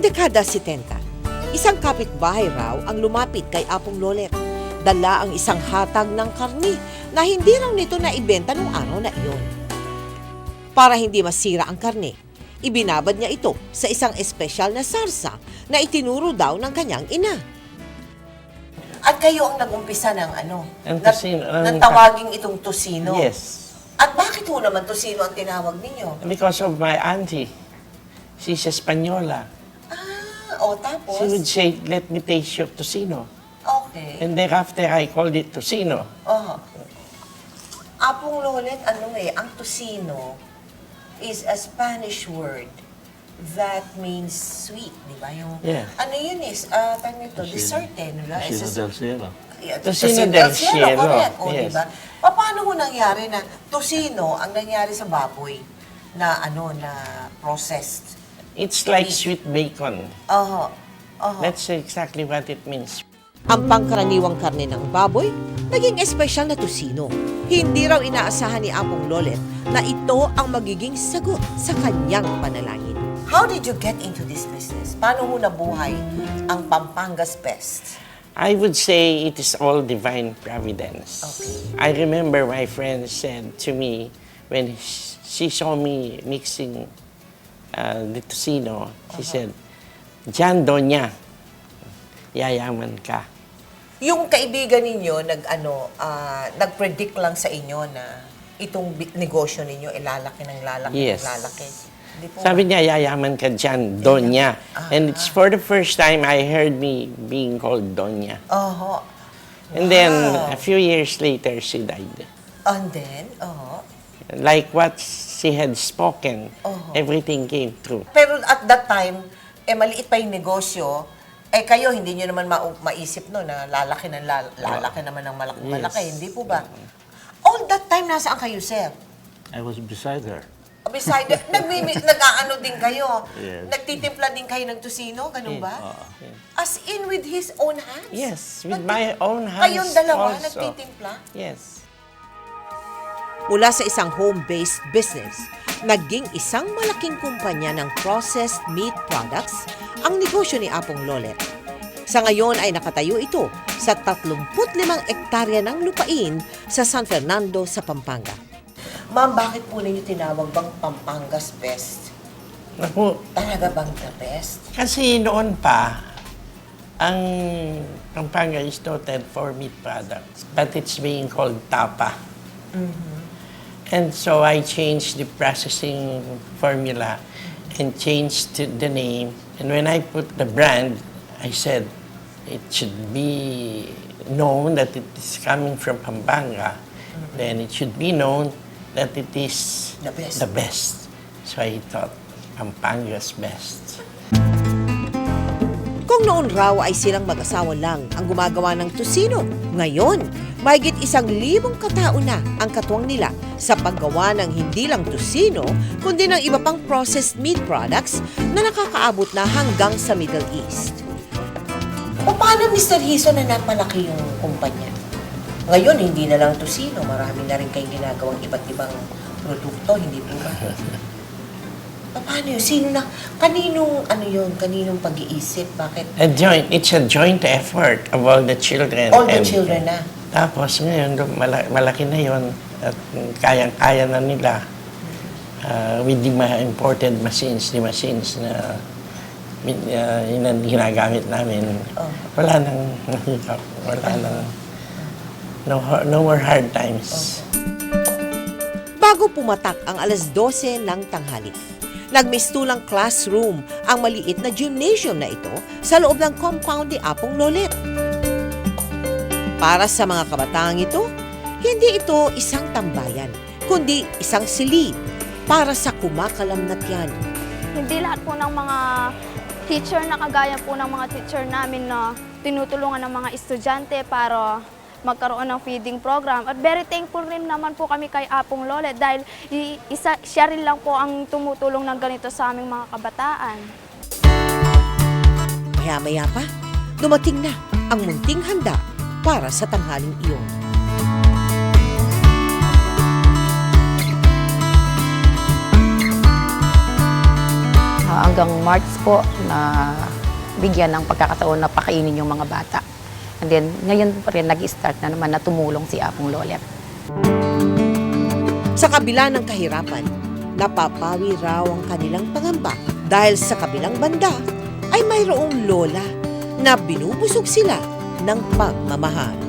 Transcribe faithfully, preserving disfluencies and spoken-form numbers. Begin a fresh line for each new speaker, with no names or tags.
dekada setenta, isang kapitbahay raw ang lumapit kay Apong Lolet. Dala ang isang hatag ng karni na hindi raw nito naibenta nung araw na iyon. Para hindi masira ang karne, ibinabad niya ito sa isang espesyal na sarsa na itinuro daw ng kanyang ina. At kayo ang nag-umpisa ng ano?
Ang tusino, ang-
ng tawaging itong tusino.
Yes.
At bakit ho naman tusino ang tinawag ninyo?
Because of my auntie. She's Espanyola.
Ah, o tapos?
She would say, let me taste your tocino.
Okay.
And thereafter, I called it tocino.
Oh. Apong Lolet, ano eh, ang tusino is a Spanish word that means sweet, di ba? Yung,
Yeah.
Ano yun is, uh, tawag nito, dessert eh, di ba?
Tocino
It's a-
del cielo.
Yeah,
Tocino del cielo,
correct. O,
yes.
diba? Paano mo nangyari na tusino ang nangyari sa baboy na ano, na processed?
It's like sweet bacon.
Oho. Oho.
That's exactly what it means.
Ang pangkaraniwang karne ng baboy, naging espesyal na tusino. Hindi raw inaasahan ni Apong Lolet na ito ang magiging sagot sa kanyang panalangin. How did you get into this business? Paano mo nabuhay ang Pampanga's Best?
I would say it is all divine providence.
Okay.
I remember my friend said to me when sh- she saw me mixing uh, the tocino, she said, Jan Doña, yayaman ka.
Yung kaibigan ninyo nag ano ah, nag-predict lang sa inyo na itong bi- negosyo ninyo ilalaki ng lalaki
Yes.
ng lalaki. Hindi po
Sabi niya, yayaman ka dyan, Doña. And it's for the first time I heard me being called Doña.
Oho.
And then,
Wow.
a few years later, she died.
And then, oho.
Like what she had spoken,
Oh.
everything came true.
Pero at that time, eh maliit pa yung negosyo, eh kayo hindi nyo naman ma- maisip no na lalaki ng lal- lalaki naman ng malaki,
Yes.
malaki, hindi po ba? All that time nasaan kayo, sir?
I was beside her.
Beside, nagmimi, nag-aano din kayo.
Yes.
Nagtitimpla din kayo ng tusino, ganun ba?
Yes.
As in with his own hands?
Yes, with
Nagti-
my own hands
Kayong dalawa
also.
nagtitimpla?
Yes.
Mula sa isang home-based business, naging isang malaking kumpanya ng processed meat products ang negosyo ni Apong Lolet. Sa ngayon ay nakatayo ito sa tatlumput limang ektarya ng lupain sa San Fernando sa Pampanga. Ma'am, bakit po ninyo tinawag bang Pampanga's Best?
Naku,
Talaga bang the best?
kasi noon pa, ang Pampanga is noted for meat products, but it's being called tapa. And so I changed the processing formula and changed to the name. And when I put the brand, I said it should be known that it is coming from Pampanga. Then it should be known that it is
The best.
the best. So I thought, Pampanga's Best.
Kung noon raw ay silang mag-asawa lang ang gumagawa ng tusino, ngayon, mahigit isang libong katao na ang katuwang nila sa paggawa ng hindi lang tusino, kundi ng iba pang processed meat products na nakakaabot na hanggang sa Middle East. O paano, Mister Hiso, na napalaki yung kumpanya? Ngayon, hindi na lang tusino, marami na rin kayong ginagawang iba't ibang produkto, hindi po ba? Paano yun? Sino na? Kaninong, ano yun? Kaninong pag-iisip? Bakit?
A joint, it's a joint effort of all the children.
All the
And
children na.
Tapos ngayon, mala- malaki na yon at kayang-kaya na nila uh, with the ma- imported machines, the machines na uh, yun ang ginagamit namin.
Oh.
Wala nang mahirap, wala nang no, har- no more hard times.
Bago pumatak ang alas dose ng tanghali, nagmistulang classroom ang maliit na gymnasium na ito sa loob ng compound ni Apong Lolet. Para sa mga kabataang ito, hindi ito isang tambayan, kundi isang silid para sa kumakalamnat yan.
Hindi lahat po ng mga teacher na kagaya po ng mga teacher namin na tinutulungan ng mga estudyante para magkaroon ng feeding program. At very thankful rin naman po kami kay Apong Lolet dahil i- isa, siya rin lang po ang tumutulong ng ganito sa aming mga kabataan.
Maya-maya pa, dumating na ang munting handa para sa tanghaling iyon.
Ah, hanggang March po na bigyan ng pagkakataon na pakainin yung mga bata. And then, ngayon pa rin nag-start na naman na tumulong si Apong Lolet.
Sa kabila ng kahirapan, napapawi raw ang kanilang pangamba dahil sa kabilang banda ay mayroong lola na binubusog sila ng pagmamahal.